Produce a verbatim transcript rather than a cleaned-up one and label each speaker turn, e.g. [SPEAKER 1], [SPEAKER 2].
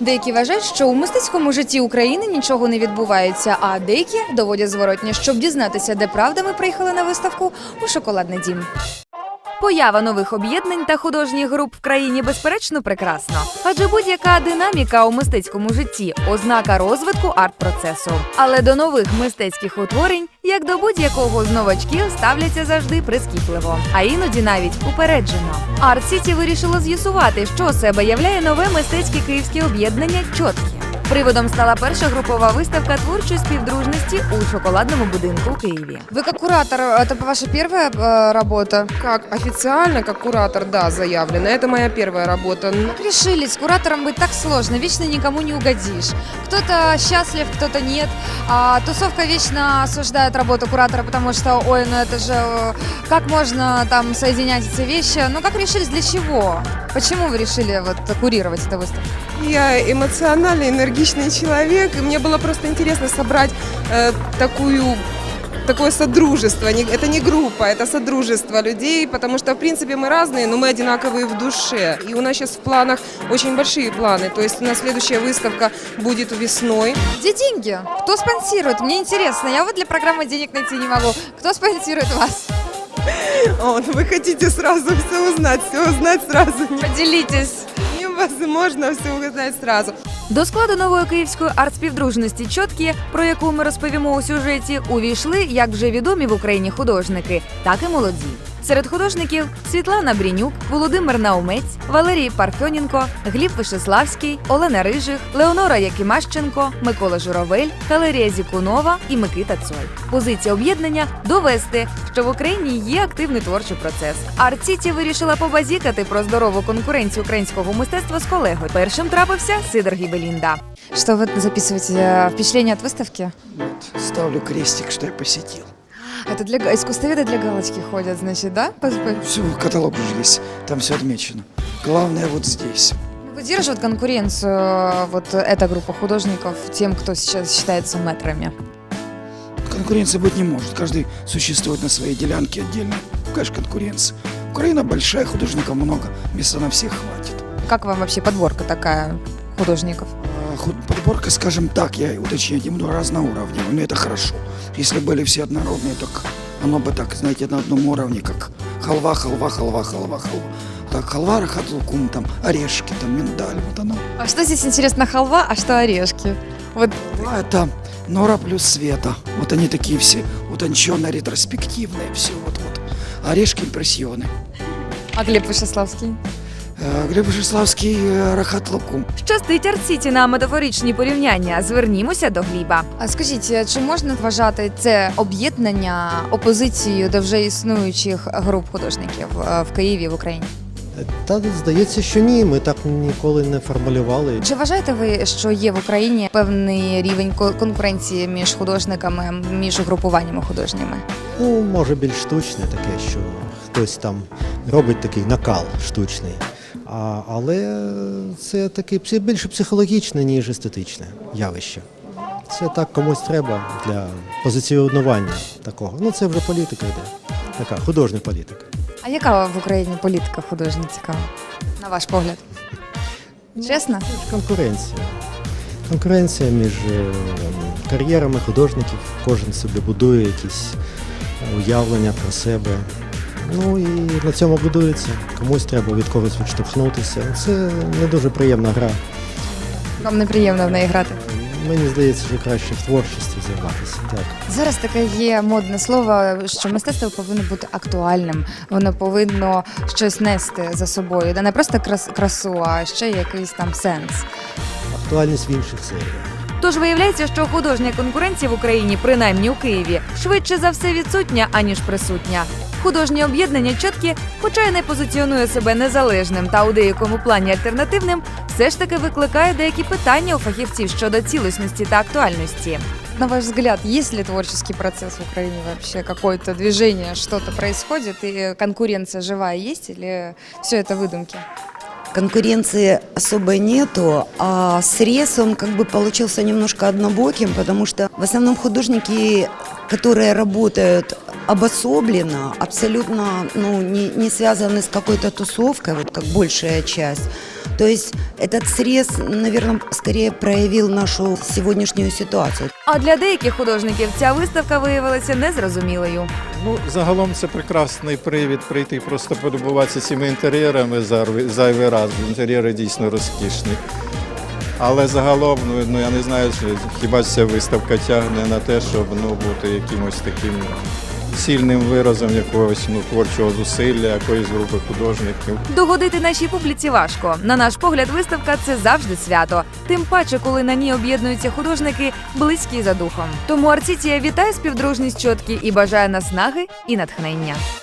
[SPEAKER 1] Деякі вважають, що у мистецькому житті України нічого не відбувається, а деякі доводять зворотнє. Щоб дізнатися, де правда, ми приїхали на виставку у «Шоколадний дім». Поява нових об'єднань та художніх груп в країні, безперечно, прекрасно. Адже будь-яка динаміка у мистецькому житті – ознака розвитку арт-процесу. Але до нових мистецьких утворень, як до будь-якого з новачків, ставляться завжди прискіпливо. А іноді навіть упереджено. Арт-Сіті вирішило з'ясувати, що себе являє нове мистецьке київське об'єднання «Чоткі». Приводом стала перша групова виставка творчої співдружності у шоколадному будинку у Києві.
[SPEAKER 2] Вы как куратор, это ваша первая э, работа?
[SPEAKER 3] Как официально, как куратор, да, заявлено. Это моя первая работа. Ну,
[SPEAKER 2] Как решили, с куратором быть так сложно, вечно никому не угодишь. Кто-то счастлив, кто-то нет. А тусовка вечно осуждает работу куратора, потому что, ой, ну это же, э, как можно там соединять эти вещи? Ну как решились, для чего? Почему вы решили вот курировать эту выставку?
[SPEAKER 3] Я эмоциональный, энергичный человек, и мне было просто интересно собрать э, такую... такое содружество. Не- Это не группа, это содружество людей, потому что, в принципе, мы разные, но мы одинаковые в душе. И у нас сейчас в планах очень большие планы. То есть у нас следующая выставка будет весной.
[SPEAKER 2] Где деньги? Кто спонсирует? Мне интересно. Я вот для программы денег найти не могу. Кто спонсирует вас?
[SPEAKER 3] О, ну вы хотите сразу все узнать, все узнать сразу.
[SPEAKER 2] Поделитесь.
[SPEAKER 3] Невозможно все узнать сразу.
[SPEAKER 1] До складу нової київської арт-співдружності «Чоткі», про яку ми розповімо у сюжеті, увійшли як вже відомі в Україні художники, так і молоді. Серед художників Світлана Брінюк, Володимир Наумець, Валерій Парфьоненко, Гліб Вишеславський, Олена Рижих, Леонора Якимащенко, Микола Журавель, Калерія Зікунова і Микита Цой. Позиція об'єднання – довести, що в Україні є активний творчий процес. Арт-Сіті вирішила побазікати про здорову конкуренцію українського мистецтва з колегою. Першим трапився Сидор Гібелінда.
[SPEAKER 2] Что вы записываете? э, Впечатление от выставки?
[SPEAKER 4] Вот, ставлю крестик, что я посетил.
[SPEAKER 2] Это для га- искусствоведы для галочки ходят, значит, да? По- по-
[SPEAKER 4] Все, каталог уже есть, там все отмечено. Главное вот здесь.
[SPEAKER 2] Выдерживает конкуренцию э, вот эта группа художников тем, кто сейчас считается мэтрами?
[SPEAKER 4] Конкуренции быть не может, каждый существует на своей делянке отдельно. Конечно, конкуренция. Украина большая, художников много, места на всех хватит.
[SPEAKER 2] Как вам вообще подборка такая художников?
[SPEAKER 4] А худ- Подборка, скажем так, я уточнять не буду, разноуровневая, но это хорошо. Если были все однородные, так оно бы так, знаете, на одном уровне, как халва, халва, халва, халва, халва. Так, халва, рахат лукум, там орешки, там миндаль, вот оно.
[SPEAKER 2] А что здесь интересно, халва, а что орешки? Вот
[SPEAKER 4] А это Нора плюс Света. Вот они такие все утонченные, ретроспективные, все вот-вот. Орешки импрессионы.
[SPEAKER 2] а Глеб Вышеславский?
[SPEAKER 4] Э, Глеб Вишеславский, э, рахат лукум.
[SPEAKER 1] Щастить арт-Сіті на метафоричні порівняння. Звернімося до Гліба.
[SPEAKER 2] А скажіть, чи можна вважати це об'єднання опозицією до вже існуючих груп художників е, в Києві, в Україні?
[SPEAKER 5] Та здається, що ні, ми так ніколи не формулювали.
[SPEAKER 2] Чи вважаєте ви, що є в Україні певний рівень ко- конкуренції між художниками, між угрупуваннями художніми?
[SPEAKER 5] Ну, може більш штучне таке, що хтось там робить такий накал штучний. А, але це таке псі- більше психологічне, ніж естетичне явище. Це так комусь треба для позиціонування такого. Ну це вже політика йде, така художня політика.
[SPEAKER 2] А яка в Україні політика художня цікава, на ваш погляд? Чесно?
[SPEAKER 5] Це ж конкуренція. Конкуренція між е, кар'єрами художників. Кожен собі будує якісь уявлення про себе. Ну і на цьому будується. Комусь треба від когось відштовхнутися. Це не дуже приємна гра.
[SPEAKER 2] Вам неприємно в неї грати?
[SPEAKER 5] Мені здається, що краще в творчості займатися. Так.
[SPEAKER 2] Зараз таке є модне слово, що мистецтво повинно бути актуальним. Воно повинно щось нести за собою. Не просто крас- красу, а ще якийсь там сенс.
[SPEAKER 5] Актуальність в інших серіях.
[SPEAKER 1] Тож виявляється, що художня конкуренція в Україні, принаймні у Києві, швидше за все відсутня, аніж присутня. Художнє об'єднання «Чоткі», хоча й не позиціонує себе незалежним та у деякому плані альтернативним, все ж таки викликає деякі питання у фахівців щодо цілісності та актуальності.
[SPEAKER 2] На ваш взгляд, есть ли творческий процесс в Украине вообще? Какое-то движение, что-то происходит? И конкуренция живая есть или все это выдумки?
[SPEAKER 6] Конкуренции особой нету, а срез он как бы получился немножко однобоким, потому что в основном художники, которые работают обособленно, абсолютно ну, не, не связаны с какой-то тусовкой, вот как большая часть. То есть этот срез, наверное, скорее проявил нашу сегодняшнюю ситуацию.
[SPEAKER 1] А для деяких художників ця виставка виявилася незрозумілою.
[SPEAKER 7] Ну, загалом це прекрасний привід прийти, просто полюбуватися цими інтер'єрами зайвий- зайвий раз. Інтер'єри дійсно розкішні. Але загалом, ну, ну я не знаю, чи хіба ця виставка тягне на те, щоб ну, бути якимось таким сильним виразом якогось ну, творчого зусилля, якоїсь групи художників.
[SPEAKER 1] Догодити нашій публіці важко. На наш погляд, виставка – це завжди свято. Тим паче, коли на ній об'єднуються художники, близькі за духом. Тому Арцітія вітає співдружність чотки і бажає наснаги і натхнення.